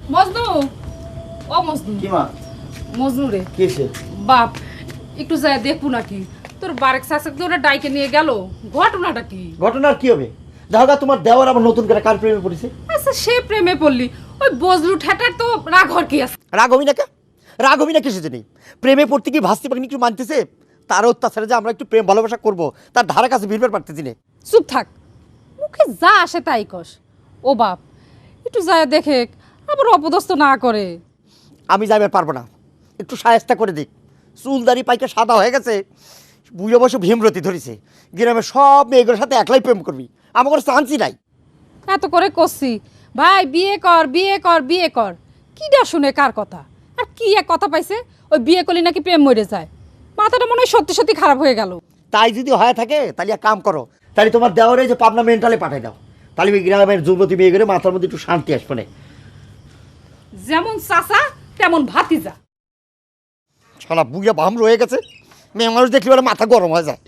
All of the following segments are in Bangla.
মজনু, ও মজনু। কি মা? মজনু রে। কিসে? বাপ, একটু যায় দেখবো নাকি তোর বারেক শাসক ওরা ডাইকে নিয়ে গেল, ঘটনাটা কি? ঘটনার কি হবে? দেখা তোমার দেওয়ার আবার নতুন করে কার প্রেমে পড়েছে? আচ্ছা, সে প্রেমে পড়লি, ওই বজলু ঠেটার তো রাগ হর কি আছে? রাগ হবি না কে? রাগ হবি না কিছু নেই। প্রেমে পড়তে কি ভাস্তি পাখিনি একটু মানতেছে? তার অত্যাচারে যে আমরা একটু প্রেম ভালোবাসা করবো তার ধারা কাছে ভিড়বার পারতেছি না। চুপ থাক, মুখে যা আসে তাই কস। ও বাপ, একটু যায় দেখে আবার অপদস্থ না করে। আমি যাইবার পারবো না, একটু সায়স্তা করে দিক। চুলদারি পাইকে সাদা হয়ে গেছে, বুঝে বসে ভীমরতি ধরেছে। গ্রামের সব মেয়েগুলোর সাথে একলাই প্রেম করবি, আমার কোনো চান্সই নাই। এত করে করছি ভাই, বিয়ে কর বিয়ে কর বিয়ে কর, কিডা শুনে কার কথা? আর কি এক কথা পাইছে, ওই বিয়ে করলে নাকি প্রেম মরে যায়। মাথাটা মনে হয় সত্যি সত্যি খারাপ হয়ে গেল। তাই যদি হয়ে থাকে তাহলে এক কাম করো, তাহলে তোমার দেওয়ারে যে পাবনা মেন্টালে পাঠাই দাও, তাহলে ওই গ্রামের যুবতী মেয়েগুলো মাথার মধ্যে একটু শান্তি আসবে না। যেমন চাচা তেমন ভাতিজা। শালা বুঝে বাম রয়ে গেছে, মেয়ে মানুষ দেখলে বলে মাথা গরম হয়ে যায়।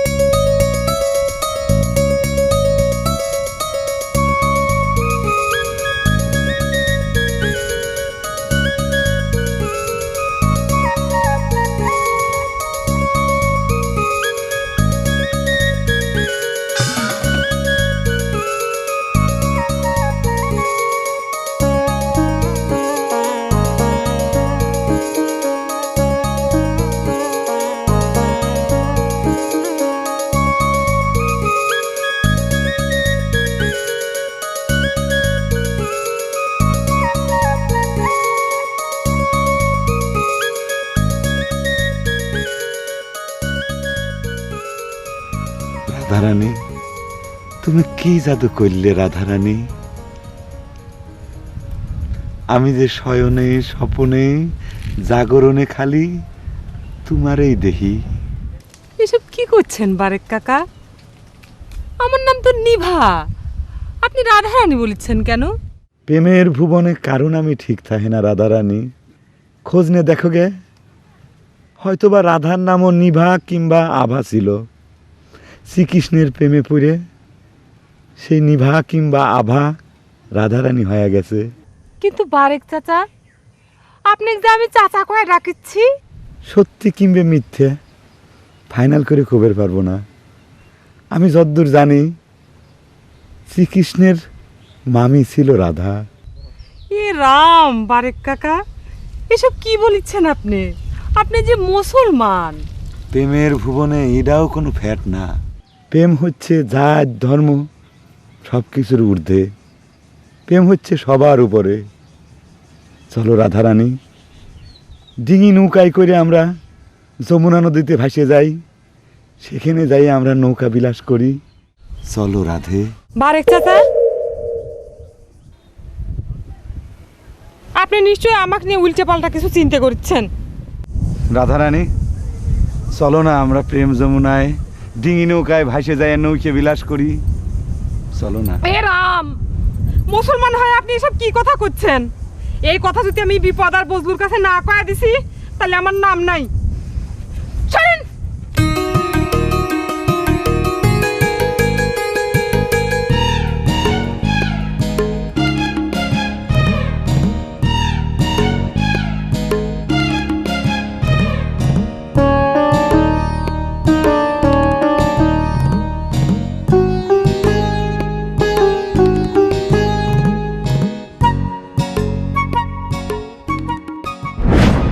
রাধারানী, তুমি কি জাদু করলে রাধারানী? আমি যে শয়নে স্বপনে জাগরণে খালি তোমারই দেহি। এসব কি করছেন বারেক কাকা? আমার নাম তো নিভা, আপনি রাধারানী বলেছেন কেন? প্রেমের ভুবনে কারণ আমি ঠিক থাকে না রাধারানী, খোঁজ নে দেখো গে। হয়তোবা রাধার নামও নিভা কিংবা আভা ছিল। শ্রীকৃষ্ণের প্রেমে পড়ে সেই নিভা কিংবা আভা রাধারানী হয়ে গেছে। কিন্তু বারেক চাচা, আপনি যে আমি চাচা কয়ে ডাকিচ্ছি। সত্যি কিংবা মিথ্যে ফাইনাল করে খবর পারবো না। আমি যদ্দূর জানি শ্রীকৃষ্ণের মামি ছিল রাধা। এ রাম বারেক কাকা, এসব কি বলিচ্ছেন আপনি? আপনি যে মুসলমান। প্রেমের ভুবনে এটাও কোনো ফ্যাট না। প্রেম হচ্ছে জাত ধর্ম সব কিছুর ঊর্ধ্বে। প্রেম হচ্ছে সবার উপরে। চলো রাধারানী, ডিঙি নৌকায় করে আমরা যমুনা নদীতে ভাসে যাই, সেখানে যাই আমরা নৌকা বিলাস করি। চলো রাধে। বারেক চাচা, আপনি নিশ্চয়ই আমাকে নিয়ে উল্টে পাল্টা কিছু চিন্তা করছেন। রাধারানী, চলো না আমরা প্রেম যমুনায় ডিঙি নৌকায় ভাসে যাই, নৌকে বিলাস করি। চলো না। এ রাম, মুসলমান হয়ে আপনি এসব কি কথা করছেন? এই কথা যদি আমি বিপদ আর বজলুর কাছে না কয়া দিছি, তাহলে আমার নাম নাই।